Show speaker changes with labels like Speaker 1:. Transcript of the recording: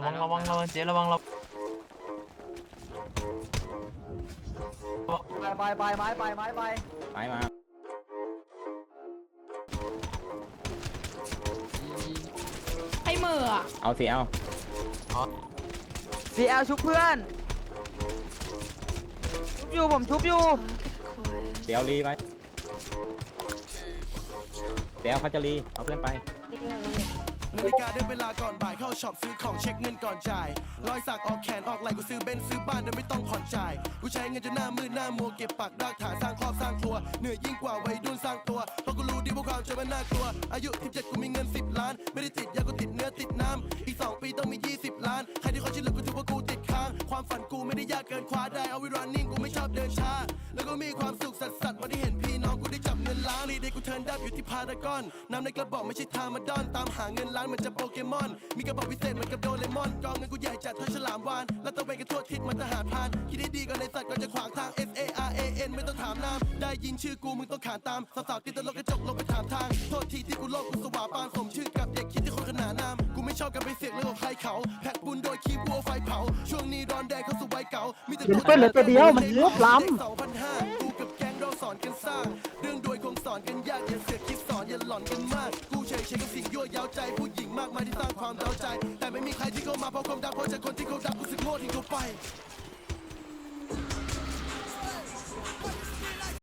Speaker 1: เจ๊ระวัง
Speaker 2: ไปไม้
Speaker 3: มา
Speaker 4: ไอ้เหม่ออะ
Speaker 3: เอาสิเอา
Speaker 2: ซีแอลชุบเพื่อนชุบอยู่ผมชุบอยู่
Speaker 3: เดี๋ยวรีไปเดี๋ยวเขาจะรีเอาเพื่อนไป
Speaker 5: นาฬิกาได้เวลาก่อนบ่ายเข้าช็อปซื้อของเช็คเงินก่อนจ่ายรอยสักออกแขนออกไหล่กูซื้อเบนซ์ซื้อบ้านโดยไม่ต้องผ่อนจ่ายกูใช้เงินจนหน้ามืดหน้ามัวเก็บปากรากฐานสร้างครอบสร้างครัวเหนื่อยยิ่งกว่าวัยรุ่นสร้างตัวเพราะกูรู้ดีว่าความจนมันน่ากลัวอายุ17กูมีเงิน10 ล้านไม่ได้ติดยากูติดเนื้อติดน้ำอีก2 ปีต้องมี20 ล้านใครที่เขาชื่อเหลือกูถือว่ากูติดค้างความฝันกูไม่ได้ยากเกินคว้าได้เอาไว้ running กูไม่ชอบเดินช้าแล้วก็มีความสุขสัสๆวันที่เห็นพี่น้องกูได้จับเงินล้านรีเดย์กูเทิร์นดับอยู่ที่พารากอนน้ำในกระบอกไม่ใช่ทามาดอนตามหาเงินล้านเหมือนจะโปเกมอนมีกระบอกพิเศษเหมือนกับโดเรมอนกองเงินกูใหญ่จัดเท่าฉลามวานแล้วตะเวนกันทั่วทิศมันทหารพรานคิดให้ดีก่อนในสัตว์ก่อนจะขวางทาง SARAN ไม่ต้องถามน้ำได้ยินชื่อกูมึงต้องขานตามสาวๆติดตลกกระจกลงไปถามทางโทษทีที่กูโลกกูสว่าปานสมชื่อกับเด็กคิดที่คนขนานนามกูไม่ชอบการไปเสียงเรื่องของใครเขาแพ็กบุญโดยคีบวัวไฟเผาช่วงนี้ร้อนแดงเข้าสู่วัยเก่ามีแต่ตัว
Speaker 2: เหลือตัวเดียวมันลบล้ำ
Speaker 5: 2,500กูกับแก๊งเราสอนกันสร้างเรื่องโดยคงสอนกันยากอย่าเสือกคิดสอนอย่าหลอนกันมากกูเฉยกับสิ่งยั่วยาวใจผู้หญิงมากมายที่สร้างความเดาใจแต่ไม่มีใครที่เข้ามาเพราะความดังเพราะจากคนที่เขาดังกูสึกโง่ทิ้งเขาไป